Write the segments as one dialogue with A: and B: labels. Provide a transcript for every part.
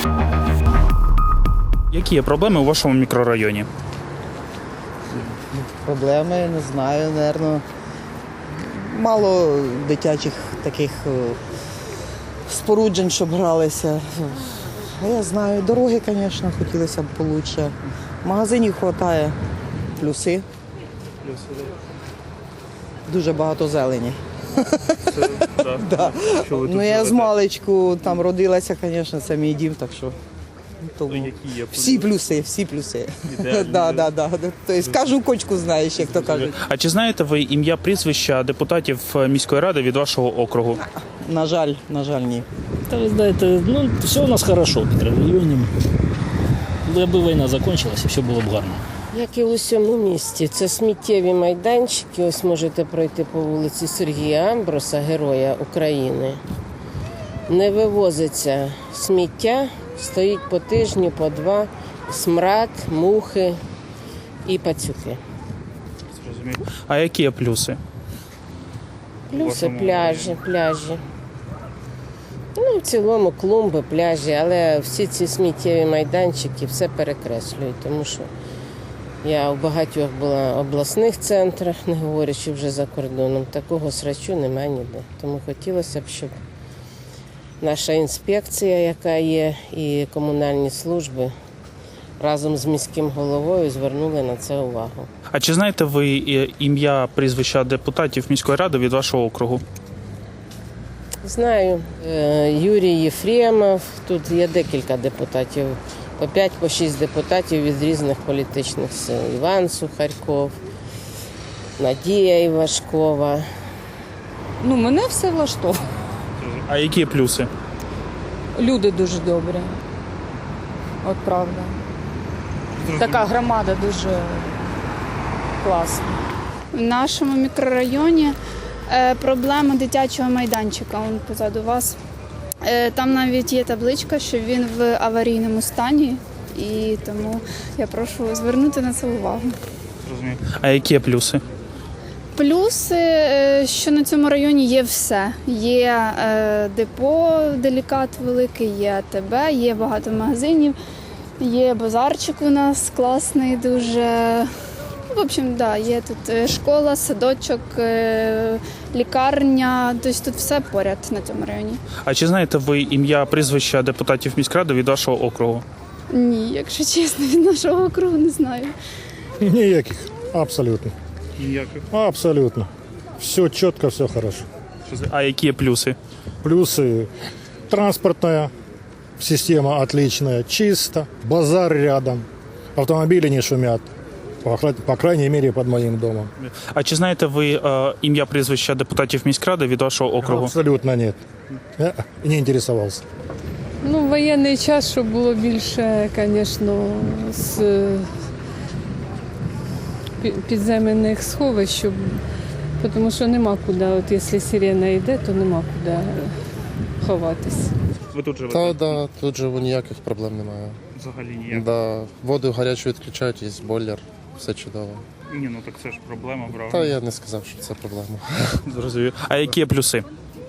A: Які є проблеми у вашому мікрорайоні?
B: Проблеми, не знаю, напевно. Мало дитячих таких споруджень, щоб гралися. Я знаю, дороги, звісно, хотілося б краще. Магазинів вистачає, плюси. Дуже багато зелені. Да. Ну, я з маличку там родилася, звісно, це мій дім, так що. Тому всі плюси, всі плюси. Да. Тобто кожну кочку знаєш, як то кажуть.
A: А чи знаєте ви ім'я, прізвища депутатів міської ради від вашого округу?
B: На жаль, ні.
C: Та ви знаєте, все у нас хорошо в мікрорайоні. Аби війна закінчилася, все було б гарно.
D: Як і у всьому місті, це сміттєві майданчики. Ось можете пройти по вулиці Сергія Амброса, Героя України. Не вивозиться сміття, стоїть по тижню, по два, смрад, мухи і пацюки.
A: А які є плюси?
D: Плюси пляжі. В цілому клумби, пляжі, але всі ці сміттєві майданчики все перекреслюють, тому що я у багатьох була обласних центрах, не говорячи вже за кордоном. Такого срачу немає ніде. Тому хотілося б, щоб наша інспекція, яка є, і комунальні служби разом з міським головою звернули на це увагу.
A: А чи знаєте ви ім'я, прізвища депутатів міської ради від вашого округу?
D: Знаю, Юрій Єфремов, тут є декілька депутатів, по 5-6 депутатів від різних політичних сил. Іван Сухарьков, Надія Івашкова.
E: Мене все влаштовує.
A: А які є плюси?
E: Люди дуже добрі. От правда. Така громада дуже класна.
F: В нашому мікрорайоні проблема дитячого майданчика, він позаду вас. Там навіть є табличка, що він в аварійному стані, і тому я прошу звернути на це увагу.
A: А які є плюси?
F: Плюси, що на цьому районі є все. Є депо, делікат великий, є АТБ, є багато магазинів, є базарчик у нас класний дуже. В общем, да, є тут школа, садочок, лікарня, тобто тут все поряд на цьому районі.
A: А чи знаєте ви ім'я, прізвища депутатів міськради від вашого округу?
F: Ні, якщо чесно, від нашого округу не знаю.
G: Ніяких, абсолютно.
A: Ніяких.
G: Абсолютно. Все чітко, все хорошо.
A: А які є плюси?
G: Плюсы транспортная система отличная, чисто, базар рядом, автомобили не шумят, по крайней мере под моим домом.
A: А чи знаєте ви ім'я, прізвища депутатів міськради від вашого округу?
G: Абсолютно нет. Я не интересовался.
H: Воєнний час, щоб було більше, звісно, з підземних сховищ, тому що нема куди, от якщо сирена йде, то нема куди ховатись.
A: Ви тут живете?
I: Да, тут живу, ніяких проблем немає.
A: Взагалі ніяких?
I: Да, воду гарячу відключають, є бойлер, все чудово.
A: Ні, так це ж проблема, правда?
I: Та я не сказав, що це проблема.
A: Зрозумів. А які є плюси?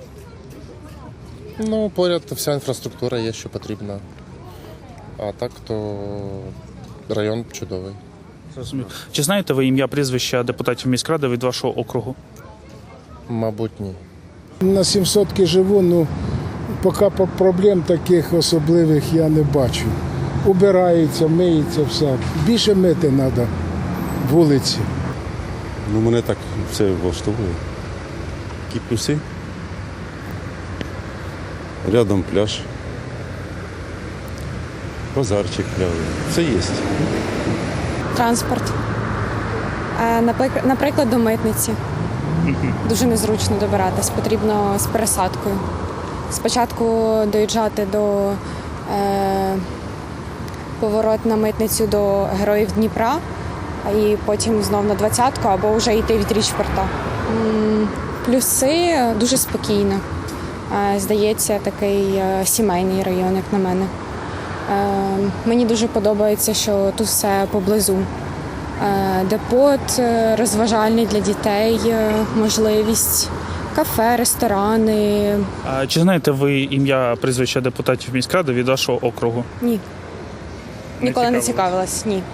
I: Поряд вся інфраструктура є, що потрібна. А так, то район чудовий.
A: Зрозумів. Чи знаєте ви ім'я, прізвища депутатів міськради від вашого округу?
I: Мабуть, ні.
J: На 700 живу, поки проблем таких особливих я не бачу. Убирається, миється все. Більше мити треба вулиці.
K: Мене так все влаштовує. Які плюси? Рядом пляж. Базарчик пляжний. Все є.
L: Транспорт. Наприклад, до митниці. Дуже незручно добиратись, потрібно з пересадкою. Спочатку доїжджати до поворот на митницю до Героїв Дніпра, і потім знов на 20-ку, або вже йти від Річпорта. Плюси дуже спокійно. Здається, такий сімейний район, як на мене. Мені дуже подобається, що тут все поблизу. Депот розважальний для дітей, можливість кафе, ресторани.
A: А чи знаєте ви ім'я, прізвища депутатів міськради від вашого округу?
L: Ні. Ніколи не
A: цікавились?
L: цікавилась, ні.